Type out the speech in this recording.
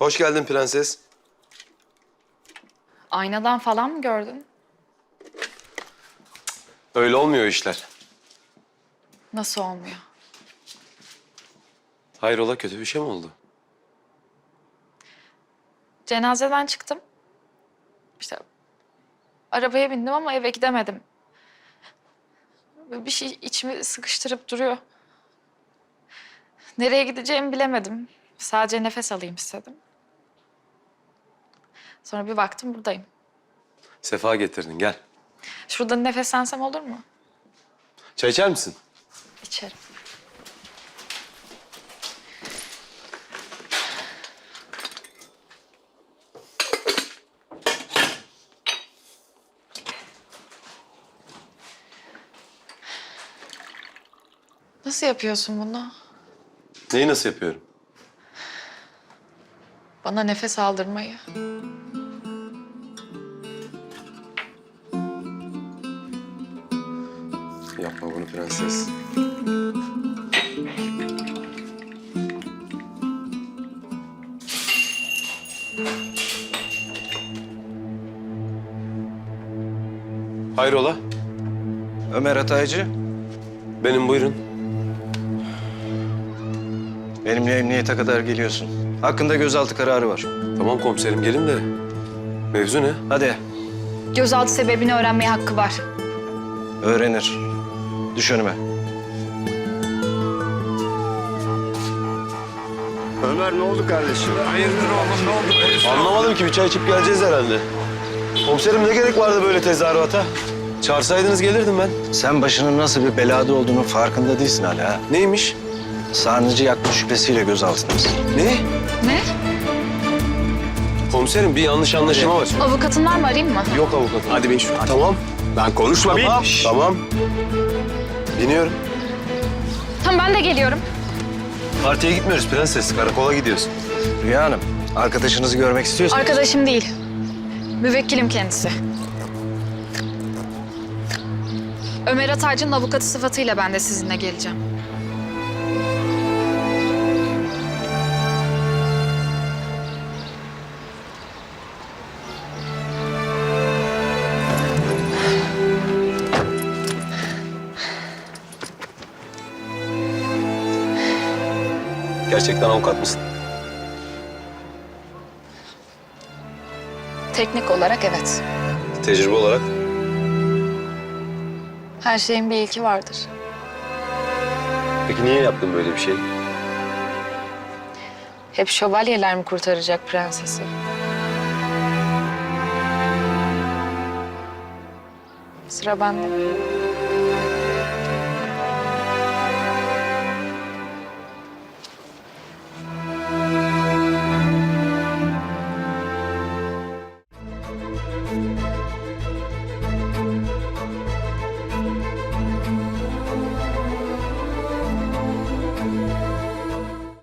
Hoş geldin prenses. Aynadan falan mı gördün? Öyle olmuyor işler. Nasıl olmuyor? Hayrola, kötü bir şey mi oldu? Cenazeden çıktım. İşte arabaya bindim ama eve gidemedim. Bir şey içimi sıkıştırıp duruyor. Nereye gideceğimi bilemedim. Sadece nefes alayım istedim. Sonra bir baktım buradayım. Sefa getirdin, gel. Şurada nefeslensem olur mu? Çay içer misin? İçerim. Nasıl yapıyorsun bunu? Neyi nasıl yapıyorum? Bana nefes aldırmayı. Yapma bunu prenses. Hayrola? Ömer Hataycı, Benim, buyurun. benimle emniyete kadar geliyorsun. Hakkında gözaltı kararı var. Tamam komiserim, gelin de. Mevzu ne? Hadi, Gözaltı sebebini öğrenmeye hakkı var. öğrenir. Düş önüme. Ömer ne oldu kardeşim? Hayırdır oğlum ne oldu? Anlamadım ki, bir çay içip geleceğiz herhalde. Komiserim, ne gerek vardı böyle tezahürata? Çağırsaydınız gelirdim ben. Sen başının nasıl bir belada olduğunun farkında değilsin hala. Ha? Neymiş? Sarnıcı yakma şüphesiyle gözaltındasın. Ne? Ne? Komiserim, bir yanlış anlaşılma var. Avukatın var mı, arayayım mı? Yok avukatım. Hadi bin şu. Tamam. Lan konuşma bin. Tamam. Tamam. Biniyorum. Tamam, ben de geliyorum. Partiye gitmiyoruz prenses. Karakola gidiyorsun. Rüya Hanım, arkadaşınızı görmek istiyorsanız... Arkadaşım değil. Müvekkilim kendisi. Ömer Ataycı'nın avukatı sıfatıyla ben de sizinle geleceğim. Gerçekten avukat mısın? Teknik olarak evet. Tecrübe olarak? Her şeyin bir ilki vardır. Peki niye yaptın böyle bir şey? Hep şövalyeler mi kurtaracak prensesi? Sıra bende.